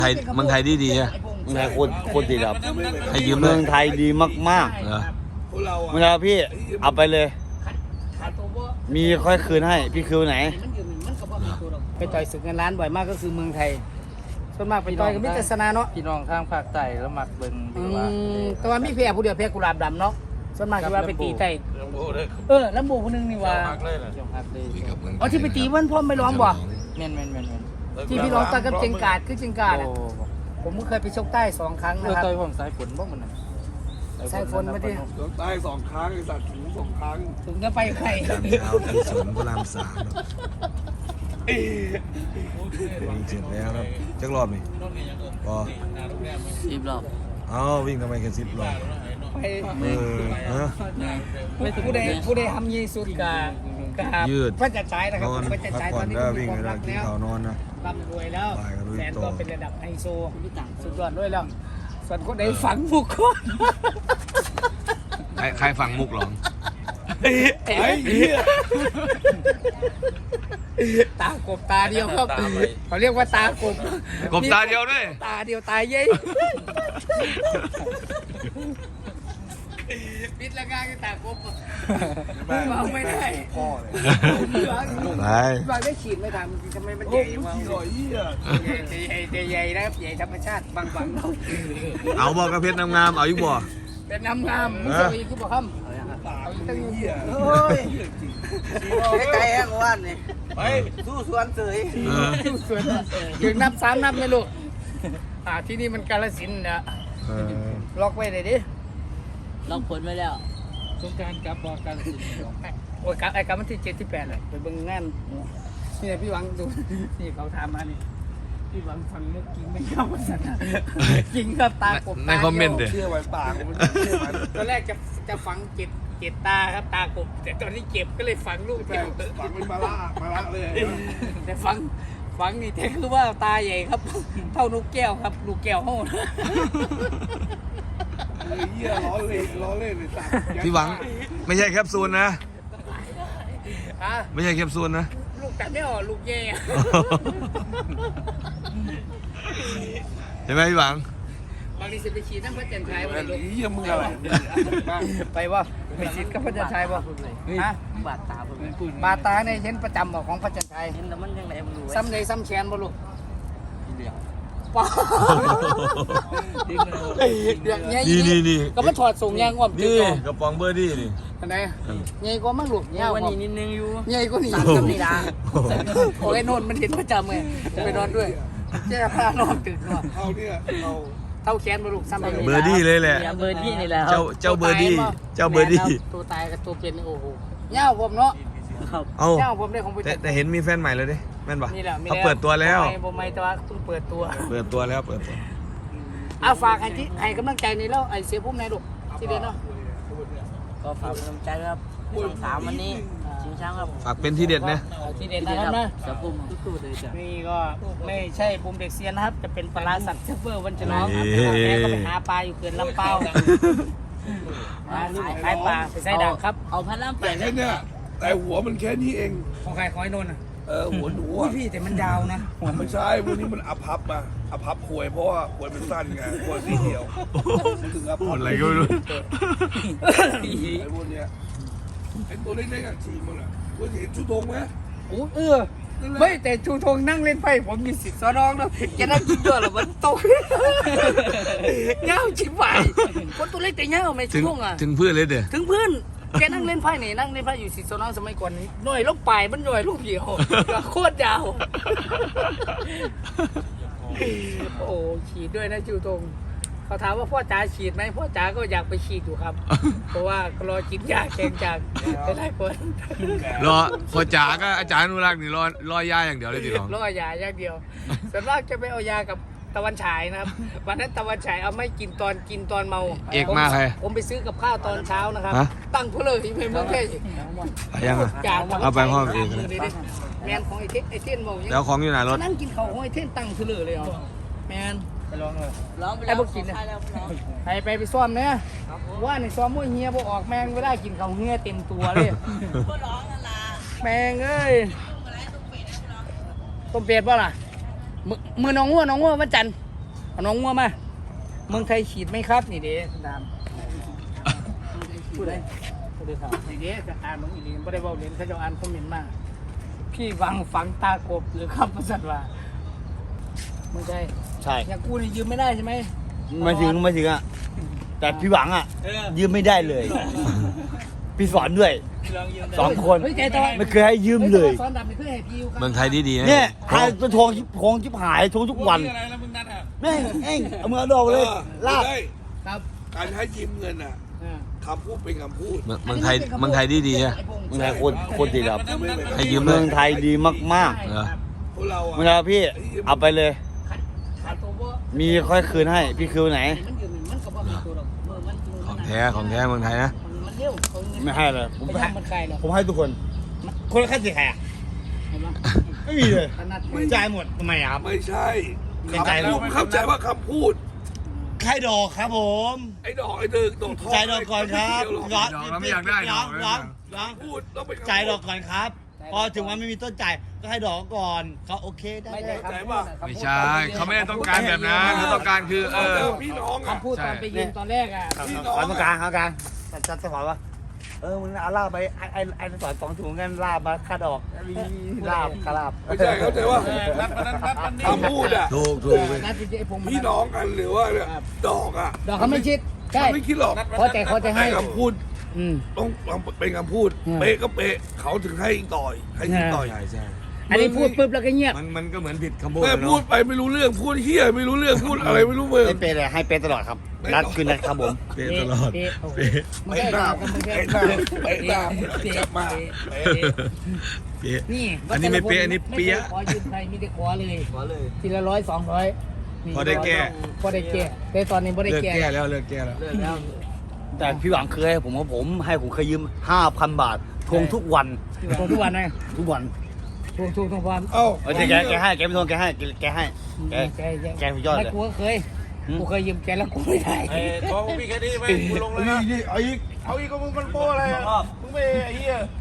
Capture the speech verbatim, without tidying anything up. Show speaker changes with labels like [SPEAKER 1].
[SPEAKER 1] ไทยเมืองไทยดีดีอะ
[SPEAKER 2] เมืองไทยโคตรโคตรดีครับ
[SPEAKER 1] ให้ยืมเล
[SPEAKER 2] เมือย งไทยดีมาก
[SPEAKER 1] เหรอ
[SPEAKER 2] ๆเมืองไทยพี่เอาไปเลย มีค่อยคืนให้พี่คืนไหน
[SPEAKER 3] ไปต่อยศึกเงินล้านบ่อยมากก็คือเมืองไทยส่วนมากไปต่อยกับมิตรศาสนาเนาะ
[SPEAKER 4] พี่น้องทางภาคใต้แล้วมักเบิ่ง
[SPEAKER 3] อื
[SPEAKER 4] ดีว่า
[SPEAKER 3] มแต่ว่ามีแพ้ผู้เดียวแพ้กุหลาบดำเนาะส่วนมากที่ว่าไปตีไต่เออแล้วโบคนนึงนี่ว่า
[SPEAKER 4] จงฮักเลย
[SPEAKER 3] อ๋อที่ไปตีเพื่อนพ่อไม่ร้องบ่
[SPEAKER 4] แม่นแม่นแม่นแม่น
[SPEAKER 3] ที่พี่ร้องต่อยกับเจงกาดคือเจงกาดอะ
[SPEAKER 4] โอ้
[SPEAKER 3] ผมก็เคยไปชกใต้สองครั้ง
[SPEAKER 4] เอ
[SPEAKER 3] นะ
[SPEAKER 4] อ
[SPEAKER 3] ครับ
[SPEAKER 4] ต่อยผมสายฝนบ่มันน่ะ
[SPEAKER 3] สายฝนมาดิ
[SPEAKER 5] ใต้สองครั้งไอ้สัตว์ถูสองครั้ง
[SPEAKER 3] ถึงจะไปใคร
[SPEAKER 1] จานเช้าที่สวนพระรามสามวิ่งเสร็จแล้วครับจักรอบนี่พอ
[SPEAKER 4] สิบรอบ
[SPEAKER 1] เอ้าวิ่งทำไมแค่สิบรอบ
[SPEAKER 3] ไป
[SPEAKER 1] เออฮะ
[SPEAKER 3] ผู้ใดผู้ใดทำยีสุดกา
[SPEAKER 1] ยืด
[SPEAKER 3] พระจันทร์ฉายนะครับ
[SPEAKER 1] นอน
[SPEAKER 3] พระจันทร์
[SPEAKER 1] พัก
[SPEAKER 3] ฉาย
[SPEAKER 1] ผ่
[SPEAKER 3] ต
[SPEAKER 1] อ
[SPEAKER 3] อน นนี้
[SPEAKER 1] ก็
[SPEAKER 3] มี
[SPEAKER 1] วิ่ง
[SPEAKER 3] ควา
[SPEAKER 1] เว
[SPEAKER 3] ม
[SPEAKER 1] ลา
[SPEAKER 3] รัก
[SPEAKER 1] กิน
[SPEAKER 3] แล้ว
[SPEAKER 1] ข้าวนอนนะ
[SPEAKER 3] ร่ำรวยแล้ว
[SPEAKER 1] บ่ายก็ลุย
[SPEAKER 3] แสน
[SPEAKER 1] ต่อ
[SPEAKER 3] ก็เป็นระดับไฮโซสุดยอดด้วยแล้วส่วนคนใดฝังบุคคล
[SPEAKER 1] ใครใครฟังมุกหรอ
[SPEAKER 3] ไอ้เหี้ยตากบตาเดียวครับเขาเรียกว่าตากบ
[SPEAKER 1] กบตาเดียวด้วย
[SPEAKER 3] ตาเดียวตายเย้ยปิดละงานกันตากบวางไม่ได้พ่อเลยว
[SPEAKER 1] ไป
[SPEAKER 3] างได้ฉีดไม่ทำทำไมมันใหญ่วะ
[SPEAKER 5] หน่อยเหี้ย
[SPEAKER 3] ใหญ่ใหญ่นะครับใหญ่ธรรมชาติบางบังเรา
[SPEAKER 1] เอาบอกกระเพชรงามๆเอาอยู่บ่
[SPEAKER 3] เป็นน้ำงามมุสลิมคือบอกคำเอาอีกตั้งเยอะ
[SPEAKER 4] โอ้ยใกล้ๆแห้งว่านนี่ไปสู้สวนเสย
[SPEAKER 1] เออ
[SPEAKER 3] สวนถึงนับสามนับไหมลูกอ่าที่นี่มันกาฬสินธุ์นะ
[SPEAKER 1] เออ
[SPEAKER 3] ล็อกไว้เลยดิ
[SPEAKER 4] ลองผลไว้แล้ว
[SPEAKER 3] สงการกลับบอกกันโอ้ยกลับไอ้กลับวันที่เจ็ดที่แปดเลยไปเบิ่งงานนี่พี่หวังดูนี่เขาถามมานี่พี่หวังฟังเรื่องกินไม่เข้าสันจริงครับตากบ
[SPEAKER 1] ในคอมเมนต์เด้
[SPEAKER 5] เชื่อไว้ปากมันเชื่อมัน
[SPEAKER 3] ตอนแรกจะจะฝังเจ็ดเจ็ดตาครับตากบแต่ตอนนี้เจ็บก็เลยฝังลูก
[SPEAKER 5] แต่
[SPEAKER 3] เดียว
[SPEAKER 5] ฝังเป็นมาละมาละเลย
[SPEAKER 3] แต่ฝังฝังนี่แต่คือว่าตาใหญ่ครับ เท่าลูกแก้วครับลูกแก้วห้อง
[SPEAKER 5] เหี้ยล้อเล่นล้อเล่นเลยสัตว์
[SPEAKER 1] พี่หวังไม่ใช่แคปซูลนะ
[SPEAKER 3] อ่ะ
[SPEAKER 1] ไม่ใช่แคปซูลนะ
[SPEAKER 3] ลูกแต่ไม่ออกลูกแย่
[SPEAKER 1] เห็นไหมพี่หวัง
[SPEAKER 3] บางทีจะไปฉีดน้ำพระจันทร์ชัยไปลูก
[SPEAKER 5] เหี้ยมึงอะไร
[SPEAKER 3] ไปว่าไปฉีดกับพระจันทร์ชัยป่ะฮะ
[SPEAKER 4] บาดตาผม
[SPEAKER 3] บาตาเนี่ยเห็นประจำบอกของพระจันทร์ชัย
[SPEAKER 4] เห็นแล้วมันยังไงมันรู้
[SPEAKER 3] ซ้ำเลยซ้ำแขนบ่ลูก
[SPEAKER 4] เดียว
[SPEAKER 3] ป้าเดือดเงี้ย
[SPEAKER 1] นี่นี่นี่
[SPEAKER 3] ก็มาถอดส่งยางอ้อม
[SPEAKER 1] นี่
[SPEAKER 3] เนาะ
[SPEAKER 1] กระป๋องเบอร์ดี้นี่
[SPEAKER 3] อันไหนเงี้ยก็มั่งลูกเงี้ย
[SPEAKER 4] วัน
[SPEAKER 3] อ้อม
[SPEAKER 4] นี้นิดนึงอยู่
[SPEAKER 3] เงี้ยก็หนีกับนี่นะโอ้ยโน่นมันเห็นประจำไงไปนอนด้วยเจ้าพานอนตึกเนาะ
[SPEAKER 5] เอาเนี่ยเอา
[SPEAKER 3] เท่าแขนบ่ลูกซ้ำเลย
[SPEAKER 1] เบอร์ดี้เลยแหละ
[SPEAKER 4] เบอร์ดี้นี่แหละ
[SPEAKER 1] เจ้าเจ้าเบอร์ดี้เจ้าเบอร์ดี้
[SPEAKER 3] ตัวตายกับตัวเป็นนี่โอ้โหเงี้ยผมเนาะ
[SPEAKER 4] ครับ
[SPEAKER 1] เอา
[SPEAKER 3] เงี้ยผมได้ของไป
[SPEAKER 1] แต่แต่เห็นมีแฟนใหม่เลยดิแม่นปะ
[SPEAKER 3] นี่แหละมี
[SPEAKER 1] เขาเปิดตัวแล้ว
[SPEAKER 3] บ่ไม่แต่ว่าเพิ่งเปิดตัว
[SPEAKER 1] เปิดตัวแล้วเปิดตัว
[SPEAKER 3] เอาฝากให้ที่ให้กำลังใจในแล้วไอ้เสียพุ่มในลูกที่เดียนเนาะ
[SPEAKER 4] ก็ฝากกำลังใจครับสองสามวันนี้ชิงช้างครับ
[SPEAKER 1] ฝากเป็นที่เด็ดนะ
[SPEAKER 3] เอาที่เด่นนะครับนะ
[SPEAKER 4] จะปุ่มตู้ๆเลยจ้ะ
[SPEAKER 3] นี่ก็ไม่ใช่ปุ่มเด็กเซียนนะครับ จะเป็นปลาสัตว์เชฟเวอร์วันฉลองครับแม่ก็ไปหาปลาอยู่เขื่อนลำเปาหาลูกขายปลาไปใส่ด่างครับ
[SPEAKER 4] เอาพันล่ำไป
[SPEAKER 5] แค่เนี่ยแต่หัวมันแค่นี้เอง
[SPEAKER 3] ของใครของไอ้นนท์อ่ะ
[SPEAKER 5] เออหัวหนู
[SPEAKER 3] อุ้ย
[SPEAKER 5] อ่ะ
[SPEAKER 3] พี่แต่มันยาวนะ
[SPEAKER 5] ไม่ใช่พวกนี้มันอภัพมาอภัพควยเพราะว่าควยมันสั้นไงควยสีเดียวถึงอ
[SPEAKER 1] พู
[SPEAKER 5] ภั
[SPEAKER 1] ด
[SPEAKER 5] พ
[SPEAKER 1] อะไรก็ไม่รู้
[SPEAKER 5] ไอ้พวกเนี้ยไอ้ตัวเล็กๆอ่ะฉีมันอ่ะคุณเห็นชุดธงไหม
[SPEAKER 3] โอ้เออไม่แต่ชูธงนั่งเล่นไพ่ผมมีสิทธิ์สอนองนะแกนั่งกินด้วยหรอมันตกเงาชิบหายคนตัวเล็กแต่เงาไม่
[SPEAKER 1] ถึ
[SPEAKER 3] ชู
[SPEAKER 1] ง
[SPEAKER 3] ธงอ่ะ
[SPEAKER 1] ถึงเพื่อนเลยเด้อ
[SPEAKER 3] ถึงเพื่อนแกนั่งเล่นไพ่นี่นั่งเล่นไพ่อยู่สิทธิ์สอนองสมัยก่อนนี้หน่วยลูกปลายมันหน่วยลูกเดียวโคตรยาวโอ้ฉีดด้วยนะชูธงเขาถามว่าพ่อจ๋าฉีดไหมพ่อจ๋าก็อยากไปฉีดอยู่ครับ เพราะว่ารอกินยาแข่งจากหลายคน
[SPEAKER 1] รอพอจ๋าก็อาจารย์อนุรักษ์นี่รอรอยาอย่างเดียวเลยทีหลัง
[SPEAKER 3] รอยาอย่างเดียวส่วนมากจะไปเอายากับตะวันฉายนะครับวันนั้นตะวันฉายเอาไม่กินตอนกินตอนเมา
[SPEAKER 1] เอกมากเลย
[SPEAKER 3] ผมไปซื้อกับข้าวตอนเช้านะครับ
[SPEAKER 1] ฮะ
[SPEAKER 3] ตั้งเพื่อเลยที่เมืองแค่
[SPEAKER 1] ไปยังอ่ะ เอาไปห้องเองเลย
[SPEAKER 3] แมนของไอเทนไอเทนบอก
[SPEAKER 1] แล้วของอยู่ไหนรถ
[SPEAKER 3] นั่งกินข้าวของไอเทนตั้งเพื่อเลยอ่ะแมน
[SPEAKER 4] ไปลองเลยร้องไป
[SPEAKER 3] ไอ้พวกกินเนี่ย ไปไปไปซ้อมเนี่ยว่าในซ้อมมวยเฮียบ่ออกแมงไม่ได้กินข้าวเฮียเต็มตัวเลยแมงเอ้ยต้มเป็ดป่ะล่ะมือมือน้องงัวน้องงัววันจันทร์เอาน้องงัวมาเมืองไทยฉีดไหมครับนี่เด้ดามพูดเลยพูดเลยครับนี่เด้จะอ่านมึงอีกทีไม่ได้บอกเล่นเขาจะอ่านคอมเมนต์มาพี่วังฝังตากบหรือครับประสัตว์ว่าเมืองไทย
[SPEAKER 2] ใช่
[SPEAKER 3] อย่างกูนี่ยืมไม่ได้ใช่ไหม
[SPEAKER 2] ไม่ถึงไม่ถึงอ่ะแต่พี่หวังอ่ะยืมไม่ได้เลย พี่สอนด้วยสองคน
[SPEAKER 3] เฮ้ยใจตอน
[SPEAKER 2] ไม่เคยให้ยืมเลย
[SPEAKER 3] สอนดำนี่คือให้พี่อยู่ครับ
[SPEAKER 1] เมืองไทยดีๆนะ
[SPEAKER 2] เนี่ยใครตัวทองชิบทองชิบหายทองทุกวัน
[SPEAKER 5] อะไรแล้วมึงนัดอ่ะ
[SPEAKER 2] แม่งเอ็งเอามือเอาดอกเลยลาบ
[SPEAKER 3] ครับ
[SPEAKER 5] การให้ยืมเงินอ่ะ
[SPEAKER 3] อ่า
[SPEAKER 5] คำพูดเป็นคำพูด
[SPEAKER 1] เมืองเมืองไทยเมืองไทยดีๆนะ
[SPEAKER 2] เมืองไทยโคตรโคตรดีครับ
[SPEAKER 1] ให้ยืมเล
[SPEAKER 2] เมือย งไทยดีมาก
[SPEAKER 1] เหรอ
[SPEAKER 5] พวกเรา
[SPEAKER 2] ๆ
[SPEAKER 5] อ่ะ
[SPEAKER 2] เมื่อไหร่พี่เอาไปเลย
[SPEAKER 3] ขัดขัดตัวบ่
[SPEAKER 2] มีค่อยคืนให้พี่คืนไหน
[SPEAKER 3] มันยืมมันก็บ่มีตัวหรอกเมื่อมันจริง
[SPEAKER 1] ของแท้ของแท้เมืองไทยนะ
[SPEAKER 3] มันเร็วเขาเงิน
[SPEAKER 2] ไม่ให้เลยผม
[SPEAKER 3] ไป
[SPEAKER 2] ให้
[SPEAKER 3] ทำมันใครหรอก
[SPEAKER 2] ผมให้ทุกคน คนละค่าเสียหายอะ
[SPEAKER 3] เห็นไหม
[SPEAKER 2] ไม่มีเลย
[SPEAKER 3] ขนาด
[SPEAKER 2] จ่ายหมดทำไมอะครับ
[SPEAKER 5] ไม่ใช่
[SPEAKER 2] เป็นใจ
[SPEAKER 5] คำพูดเข้าใจว่าคำพูด
[SPEAKER 2] ใครดอกครับผม
[SPEAKER 5] ไอ้ดอกไอ้เดินดอกทอง
[SPEAKER 2] จ่ายดอกก่อนครับ
[SPEAKER 5] ไม่
[SPEAKER 2] ร้
[SPEAKER 5] เกี่ยวหรอก
[SPEAKER 2] อน
[SPEAKER 1] ดอกเราไม่อยากได้ด
[SPEAKER 2] ร้
[SPEAKER 1] อ
[SPEAKER 2] อก นร้อนร้อน
[SPEAKER 5] พูดต้องเป็นคำพู
[SPEAKER 2] จ่ายดอกก่อนครับ พอถึงวันไม่มีต้นจ่ายก็ให้ดอกก่อนเขาโอเคได้
[SPEAKER 3] ไม่
[SPEAKER 2] เล
[SPEAKER 3] ใช่
[SPEAKER 2] ย
[SPEAKER 3] คำพูด
[SPEAKER 1] ไม่ใช่เขาไม่ได้ต้องการแบบนั้นเขาต้องการคือเออ
[SPEAKER 5] เจอพี่น้องอ่ะ
[SPEAKER 3] คำพูดตอนไปยืมตอนแรกอ่ะ
[SPEAKER 5] พี่น้อง
[SPEAKER 2] ขอตรงกลางขอตรงกลางจัดจัดสปอร์ตวะเออมึงเอาลาบไปไอ้ไอ้ไอ้สอนสองถุงกันลาบมาค่าดอกลาบค่าลาบ
[SPEAKER 5] ไม่ใช่เข้าใจว่าคำพูดอ่ะ
[SPEAKER 1] ถูกถูก
[SPEAKER 3] นัดจริงๆไอ้ผม
[SPEAKER 5] พี่น้องกันหรือว่าเนี่ยดอกอ่ะ
[SPEAKER 3] ดอกเขาไม่ชิดใช่
[SPEAKER 5] เขาไม่คิดหรอก
[SPEAKER 3] พอใจเขาจะให้
[SPEAKER 5] แต่คำพูด
[SPEAKER 3] อืม
[SPEAKER 5] ต้องต้องเป็นคำพูด
[SPEAKER 3] อืม
[SPEAKER 5] เป๊ะก็เป๊ะเขาถึงให้ต่อยให้ยิงต่อย
[SPEAKER 1] ใช่ใช่
[SPEAKER 3] อันนี้พูดปุ๊บแล้วก็เงียบ
[SPEAKER 1] มันมันก็เหมือนผิดคำพูด
[SPEAKER 5] แม่
[SPEAKER 1] อะ
[SPEAKER 5] พู
[SPEAKER 1] เนาะ
[SPEAKER 5] ดไปไม่รู้เรื่องพูดเฮียไม่รู้เรื่องพูดอะไรไม่รู้เมือง
[SPEAKER 2] ให้เปย์เลยให้เปย์ตลอดครับนัดคืนนัดครับผม
[SPEAKER 1] เป๊ะตลอด
[SPEAKER 3] เป๊ะโอ้โห
[SPEAKER 1] เป๊ะ
[SPEAKER 3] ไม่ใช่ดอกกันไม่ใช่
[SPEAKER 5] เป๊ะเป๊ะตามกลับมา
[SPEAKER 3] เป๊ะ
[SPEAKER 1] เป๊ะ
[SPEAKER 3] นี่
[SPEAKER 1] อันนี้ไม่เป๊ะอันนี้เปี้ย
[SPEAKER 3] ไม่คขอยืมใครไม่ได้ขอเลย
[SPEAKER 2] ขอเลย
[SPEAKER 3] ทีละร้อยสองร้อยนี่
[SPEAKER 1] พอได้แก้
[SPEAKER 3] พอได้แก้แต่ตอนนี้พอได้
[SPEAKER 1] เลิก
[SPEAKER 3] แก้
[SPEAKER 1] แก้แล้วเลิกแก้แล้ว
[SPEAKER 2] เลิกแล้วแต่พี่หวังเคยให้ผมว่าผมให้ผมเคยยืมห้าพันบาททวงทุกวัน
[SPEAKER 3] ทวงทุกวันไหม
[SPEAKER 2] ทุกวัน
[SPEAKER 3] ทวงทวงทุกวัน
[SPEAKER 5] เอ้า
[SPEAKER 2] เออแกแกให้แกไม่ทวงแกให้แกให้แก
[SPEAKER 3] แกแก
[SPEAKER 2] แกสุดยอดเลย
[SPEAKER 3] ไม่กูก็เคย
[SPEAKER 2] หืม
[SPEAKER 3] กูเคยยืมแกแล้วกูไม่ได้
[SPEAKER 6] ไอ้ทองมีแค่นี้ไหมกูลงแล้วนะ
[SPEAKER 5] เอาอีก
[SPEAKER 6] เอาอีกก็มึงมันโป้อะไรอ่ะ มึงไม่ไอ้เหี้ย